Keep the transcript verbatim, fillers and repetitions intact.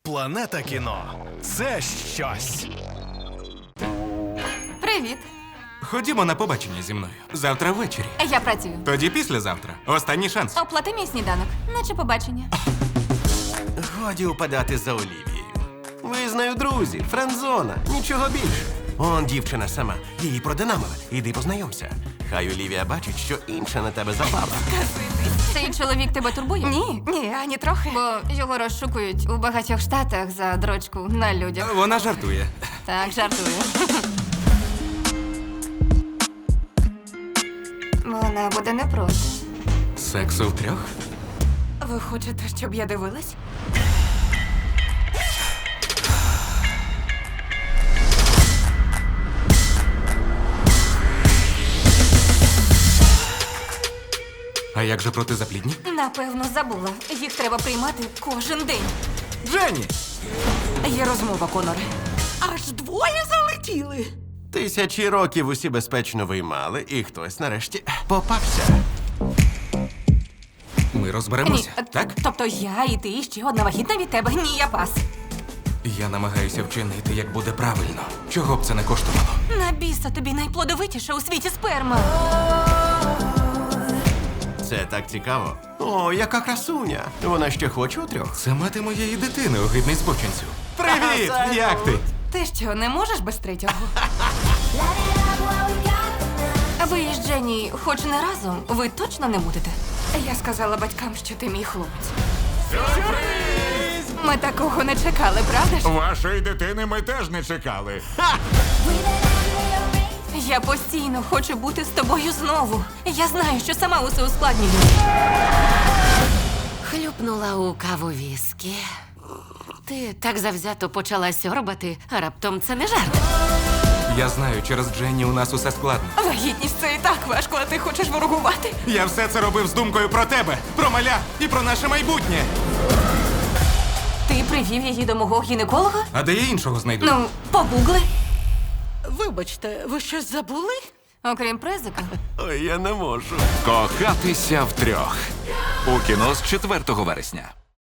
Планета кіно – це щось. Привіт. Ходімо на побачення зі мною. Завтра ввечері. Я працюю. Тоді післязавтра. Останній шанс. Оплати мій сніданок, наче побачення. Годі упадати за Олівією. Ви з нею друзі, френдзона, нічого більше. Он дівчина сама, її продинамили. Іди познайомся. Хай Олівія бачить, що інша на тебе забава. Цей чоловік тебе турбує? Ні, ні, ані трохи. Бо його розшукують у багатьох штатах за дрочку на людях. Вона жартує. Так, жартую. Вона буде не проти. Сексу втрьох? Ви хочете, щоб я дивилась? А як же протизаплідні? Напевно, забула. Їх треба приймати кожен день. Дженні! Є розмова, Коноре. Аж двоє залетіли. Тисячі років усі безпечно виймали, і хтось нарешті попався. Ми розберемося, Ні, так? Тобто я і ти, і ще одна вагітна від тебе. Ні, я пас. Я намагаюся вчинити, як буде правильно. Чого б це не коштувало? На біса тобі найплодовитіша у світі сперма. Це так цікаво. О, яка красуня. Вона ще хоче у трьох. Це мати моєї дитини, огидний збочинцю. Привіт! Як ти? Ти що, не можеш без третього? Ви із Дженні хоч не разом, ви точно не будете? Я сказала батькам, що ти мій хлопець. Сюрприз! Ми такого не чекали, правда ж? Вашої дитини ми теж не чекали. Я постійно хочу бути з тобою знову. Я знаю, що сама усе ускладнюю. Хлюпнула у каву віскі. Ти так завзято почала сьорбати, а раптом це не жарт. Я знаю, через Дженні у нас усе складно. Вагітність це і так важко, а ти хочеш ворогувати? Я все це робив з думкою про тебе, про маля і про наше майбутнє. Ти привів її до мого гінеколога? А де я іншого знайду? Ну, погугли. Вибачте, ви щось забули? Окрім презика. Ой, я не можу. Кохатися втрьох. У кіно з четвертого вересня.